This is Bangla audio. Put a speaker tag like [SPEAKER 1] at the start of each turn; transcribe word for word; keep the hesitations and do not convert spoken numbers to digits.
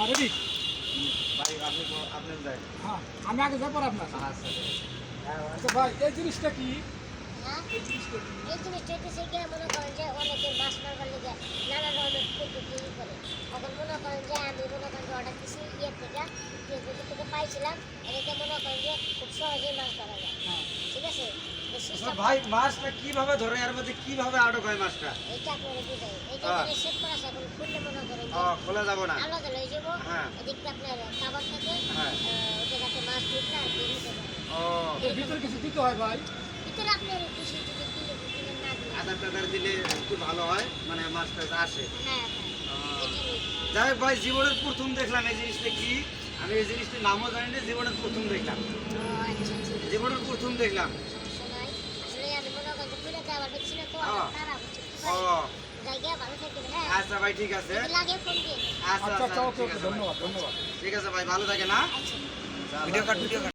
[SPEAKER 1] রেডি
[SPEAKER 2] ভাই আপনি আপনি যাই
[SPEAKER 1] হ্যাঁ আমি আগে যাবো আপনার
[SPEAKER 2] আচ্ছা
[SPEAKER 1] আচ্ছা ভাই এই জিনিসটা কি
[SPEAKER 3] হ্যাঁ
[SPEAKER 1] এই জিনিসটা কি
[SPEAKER 3] এই জিনিসটা হচ্ছে গিয়ে মনে করেন যে অনেকে মাছ মারবার লেগে নানা ধরনের পদ্ধতি ই করে এখন মনে করেন যে আমি মনে করেন যে অর্ডার দিচ্ছি ইয়ের থেকে ফেসবুক থেকে পাইছিলাম এটাতে মনে করেন যে খুব সহজেই মাছ ধরা যায়
[SPEAKER 1] হ্যাঁ
[SPEAKER 3] ঠিক আছে তো
[SPEAKER 2] আচ্ছা
[SPEAKER 3] সিস্টেম
[SPEAKER 2] ভাই মাছটা কিভাবে ধরে এর মধ্যে কিভাবে আটক হয় মাছটা
[SPEAKER 3] এইটা আপনারা বুঝাই এইটা
[SPEAKER 2] হ্যাঁ।
[SPEAKER 3] থেকে সেট করা আছে এখন খুললে মনে করেন
[SPEAKER 2] ও
[SPEAKER 3] যে
[SPEAKER 2] খোলা যাব না
[SPEAKER 3] আলাদা লয়ে যাবো
[SPEAKER 2] হ্যাঁ।
[SPEAKER 3] এদিকটা আপনার খাবার থাকে
[SPEAKER 2] হ্যাঁ।
[SPEAKER 3] ওটা যাতে মাছ ঢুকলে আর বের হতে পারে
[SPEAKER 2] ও
[SPEAKER 1] এর ভিতরে কিছু দিতে হয় ভাই
[SPEAKER 3] ভিতরে আপনার খুশি যদি দিলে দিলে না দিলে
[SPEAKER 2] আধার টাধার দিলে একটু ভালো হয় মানে মাছটা আসে
[SPEAKER 3] হ্যাঁ হ্যাঁ
[SPEAKER 2] ও।
[SPEAKER 3] এটা নেই
[SPEAKER 2] যাই হোক ভাই জীবনের প্রথম দেখলাম এই জিনিসটা কি আমি এই জিনিসটার নামও জানি না জীবনের প্রথম দেখলাম
[SPEAKER 3] ও আচ্ছা আচ্ছা
[SPEAKER 2] জীবনের প্রথম দেখলাম
[SPEAKER 3] সময় আসলে আমি মনে করেন যে ফিরে যাওয়ার দেখছি না তো
[SPEAKER 2] হ্যাঁ।
[SPEAKER 3] তারা হচ্ছে
[SPEAKER 2] ও
[SPEAKER 3] জায়গা ভালো থাকবে হ্যাঁ
[SPEAKER 2] আচ্ছা ভাই ঠিক আছে
[SPEAKER 3] যদি লাগে ফোন দিয়ে
[SPEAKER 2] আচ্ছা
[SPEAKER 1] আচ্ছা
[SPEAKER 2] আচ্ছা
[SPEAKER 1] আচ্ছা ওকে
[SPEAKER 2] ঠিক
[SPEAKER 1] ওকে
[SPEAKER 2] আছে ভাই।
[SPEAKER 1] ধন্যবাদ ধন্যবাদ
[SPEAKER 2] ঠিক আছে ভাই ভালো থাকে না
[SPEAKER 3] আচ্ছা
[SPEAKER 2] ভিডিও কাট ভিডিও